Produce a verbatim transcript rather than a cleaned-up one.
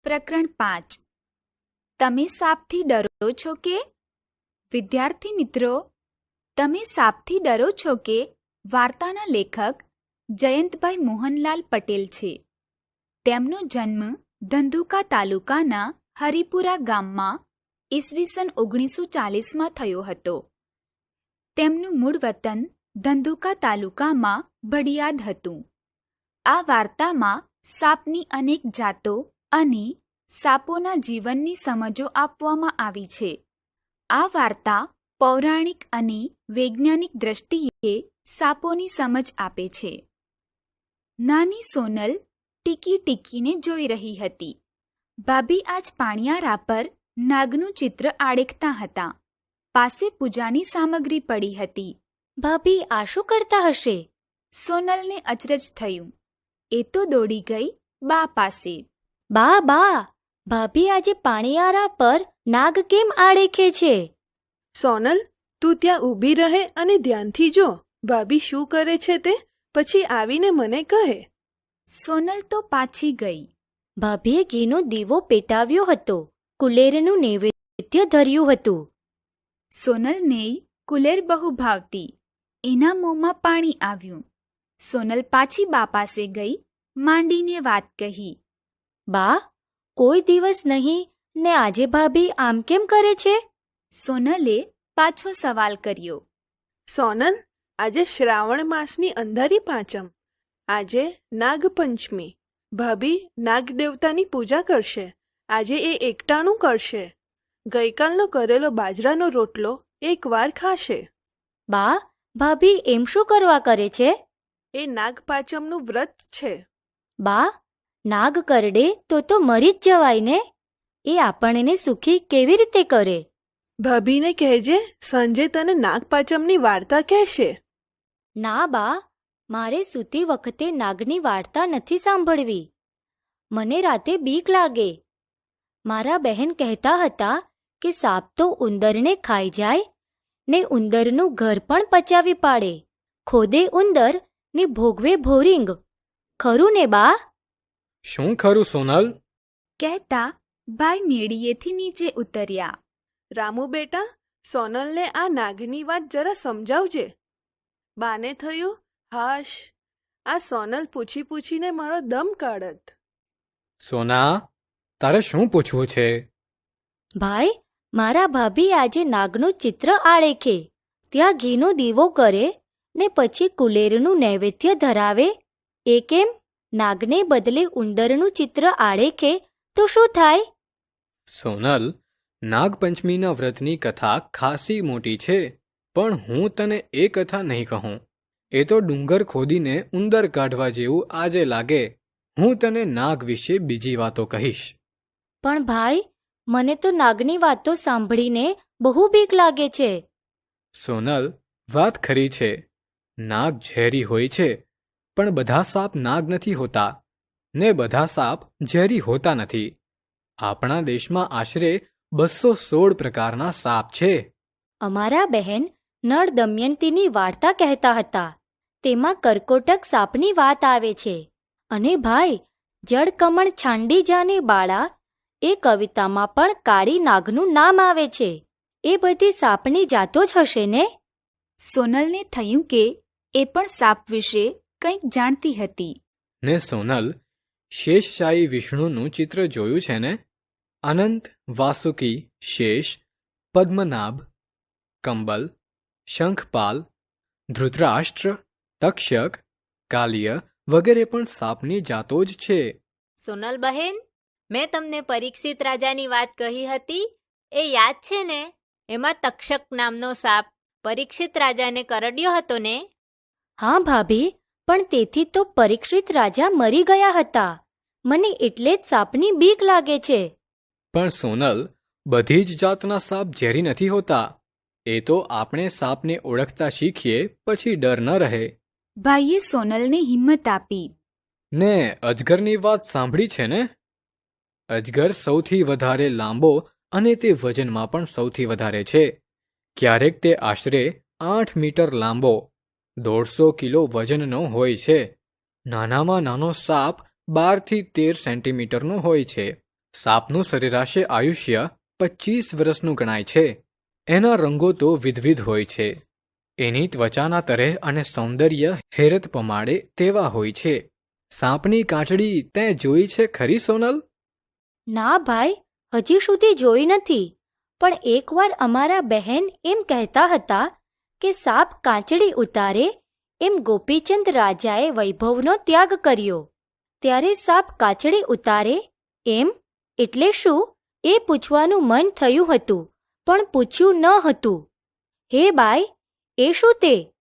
પ્રકરણ પાંચ. તમે સાપથી ડરો છો કે? વિદ્યાર્થી મિત્રો, તમે સાપથી ડરો છો કે વાર્તાના લેખક જયંતભાઈ મોહનલાલ પટેલ છે. તેમનો જન્મ ધંધુકા તાલુકાના હરિપુરા ગામમાં ઈસવીસન ઓગણીસો ચાલીસમાં થયો હતો. તેમનું મૂળ વતન ધંધુકા તાલુકામાં ભડિયાદ હતું. આ વાર્તામાં સાપની અનેક જાતો અને સાપોના જીવનની સમજો આપવામાં આવી છે. આ વાર્તા પૌરાણિક અને વૈજ્ઞાનિક દ્રષ્ટિએ સાપોની સમજ આપે છે. નાની સોનલ ટીકી ટીકીને જોઈ રહી હતી. ભાભી આજ પાણિયારા પર નાગનું ચિત્ર આડેકતા હતા. પાસે પૂજાની સામગ્રી પડી હતી. ભાભી આ શું કરતા હશે? સોનલને અચરજ થયું. એ તો દોડી ગઈ બા પાસે. બા બા ભાભી આજે પાણીયારા પર નાગ કેમ આડેખે છે? સોનલ, તું ત્યાં ઊભી રહે અને ધ્યાનથી જો ભાભી શું કરે છે તે, પછી આવીને મને કહે. સોનલ તો પાછી ગઈ. ભાભીએ ઘીનો દીવો પેટાવ્યો હતો. કુલેરનું નૈવેદ્ય ધર્યું હતું. સોનલને કુલેર બહુ ભાવતી. એના મોંમાં પાણી આવ્યું. સોનલ પાછી બા પાસે ગઈ, માંડીને વાત કહી. બા, કોઈ દિવસ નહીં ને આજે ભાભી આમ કેમ કરે છે? સોનલે પાછો સવાલ કર્યો. સોનલ, આજે શ્રાવણ માસની અંધારી પાંચમ. આજે નાગપંચમી. ભાભી નાગ દેવતાની પૂજા કરશે. આજે એ એકટાણું કરશે. ગઈકાલનો કરેલો બાજરાનો રોટલો એકવાર ખાશે. બા, ભાભી એમ શું કરવા કરે છે? એ નાગપાંચમનું વ્રત છે. બા, નાગ કરડે તો તો મરી જ જવાય ને. એ આપણને સુખી કેવી રીતે કરે? ભાભીને કહેજે સાંજે તને નાગપાંચમની વાર્તા કહેશે. ના બા, મારે સૂતી વખતે નાગની વાર્તા નથી સાંભળવી. મને રાતે બીક લાગે. મારા બહેન કહેતા હતા કે સાપ તો ઉંદરને ખાઈ જાય ને ઉંદરનું ઘર પણ પચાવી પાડે. ખોદે ઉંદર ને ભોગવે ભોરિંગ. ખરું ને બા? શું ખરું સોનલ? કહેતા ભાઈ મેળીએથી નીચે ઉતર્યા. રામુ બેટા, સોનલને આ નાગની વાત જરા સમજાવજે. બાને થયું, હાશ, આ સોનલ પૂછી પૂછીને મારો દમ કાઢત. સોના, તારે શું પૂછવું છે? ભાઈ, મારા ભાભી આજે નાગનું ચિત્ર આળેખે, ત્યાં ઘીનો દીવો કરે ને પછી કુલેરનું નૈવેદ્ય ધરાવે. એ કેમ? નાગને બદલે ઉંદરનું ચિત્ર આળેખે તો શું થાય? સોનલ, નાગપંચમીના વ્રતની કથા ખાસી મોટી છે, પણ હું તને એ કથા નહીં કહું. એ તો ડુંગર ખોદીને ઉંદર કાઢવા જેવું આજે લાગે. હું તને નાગ વિશે બીજી વાતો કહીશ. પણ ભાઈ, મને તો નાગની વાતો સાંભળીને બહુ બીક લાગે છે. સોનલ, વાત ખરી છે. નાગ ઝેરી હોય છે, પણ બધા સાપ નાગ નથી હોતા ને બધા સાપ ઝેરી હોતા નથી. આપણા દેશમાં આશરે બસો સોળ પ્રકારના સાપ છે. અમારા બહેન નળ દમયંતીની વાર્તા કહેતા હતા. તેમાં કરકોટક સાપની વાત આવે છે. અને ભાઈ, જળકમણ છાંડી જાને બાળા, એ કવિતામાં પણ કાળી નાગનું નામ આવે છે. એ બધી સાપની જાતો જ હશે ને? સોનલને થયું કે એ પણ સાપ વિશે કંઈક જાણતી હતી. ને સોનલ, શેષશાહી વિષ્ણુનું ચિત્ર જોયું છે ને? અનંત, વાસુકી, શેષ, પદ્મનાભ, કંબલ, શંખપાલ, ધૃતરાષ્ટ્ર, તક્ષક, કાલિય વગેરે પણ સાપની જાતો જ છે. સોનલ બહેન, મેં તમને પરીક્ષિત રાજાની વાત કહી હતી, એ યાદ છે ને? એમાં તક્ષક નામનો સાપ પરીક્ષિત રાજાને કરડ્યો હતો ને? હા ભાભી, પણ તેથી તો પરીક્ષિત રાજા મરી ગયા હતા. મને એટલે જ સાપની બીક લાગે છે. પણ સોનલ, બધી જ જાતના સાપ ઝેરી નથી હોતા. એ તો આપણે સાપને ઓળખતા શીખીએ પછી ડર ન રહે. ભાઈએ સોનલને હિંમત આપી. ને અજગરની વાત સાંભળી છે ને? અજગર સૌથી વધારે લાંબો અને તે વજનમાં પણ સૌથી વધારે છે. ક્યારેક તે આશરે આઠ મીટર લાંબો, દોઢસો કિલો વજનનો હોય છે. નાનામાં નાનો સાપ બારથી તેર સેન્ટીમીટરનો હોય છે. સાપનું સરેરાશે આયુષ્ય પચીસ વર્ષનું ગણાય છે. એના રંગો તો વિધવિધ હોય છે. એની ત્વચાના તરેહ અને સૌંદર્ય હેરત પમાડે તેવા હોય છે. સાપની કાચડી તે જોઈ છે ખરી સોનલ? ના ભાઈ, હજી સુધી જોઈ નથી. પણ એકવાર અમારા બહેન એમ કહેતા હતા કે સાપ કાચડી ઉતારે એમ ગોપીચંદ રાજાએ વૈભવનો ત્યાગ કર્યો. ત્યારે સાપ કાચડી ઉતારે એમ એટલે શું એ પૂછવાનું મન થયું હતું, પણ પૂછ્યું ન હતું. હે બાઈ, એ શું તે?